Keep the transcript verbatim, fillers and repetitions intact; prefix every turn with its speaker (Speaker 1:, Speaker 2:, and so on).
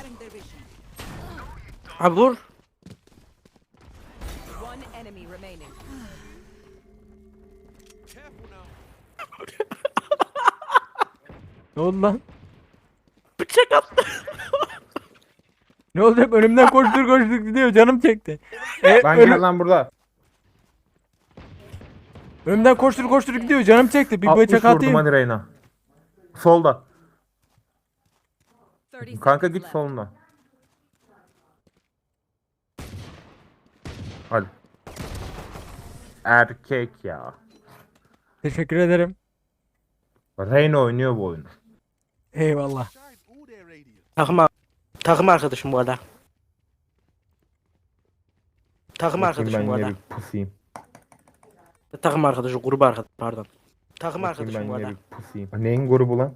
Speaker 1: Scattering their vision.
Speaker 2: Abi vur.
Speaker 1: One enemy remaining.
Speaker 3: Ne oldu lan?
Speaker 2: Bıçak attı.
Speaker 3: Ne oldu, hep önümden koştur koştur gidiyor, canım çekti. E,
Speaker 4: Lan
Speaker 3: önüm-
Speaker 4: gel lan burada.
Speaker 3: önümden koştur koştur gidiyor, canım çekti. Bir
Speaker 4: altmış
Speaker 3: bıçak
Speaker 4: vurdum
Speaker 3: atayım.
Speaker 4: hadi Reyna. Solda.
Speaker 1: thirty
Speaker 4: Kanka
Speaker 1: seconds
Speaker 4: git
Speaker 1: left.
Speaker 4: soluna. Hadi. Erkek ya.
Speaker 3: Teşekkür ederim.
Speaker 4: Reyna oynuyor bu oyunu.
Speaker 3: Eyvallah.
Speaker 2: Takım ar- takım arkadaşım bu arada. Takım
Speaker 4: Bakayım
Speaker 2: arkadaşım
Speaker 4: ben
Speaker 2: bu
Speaker 4: yine
Speaker 2: arada.
Speaker 4: bir pusayım.
Speaker 2: Takım arkadaşı, grubu arkadaş pardon. Takım
Speaker 4: Bakayım
Speaker 2: arkadaşım bu
Speaker 4: ben yine
Speaker 2: arada.
Speaker 4: bir pusayım. Neyin grubu lan?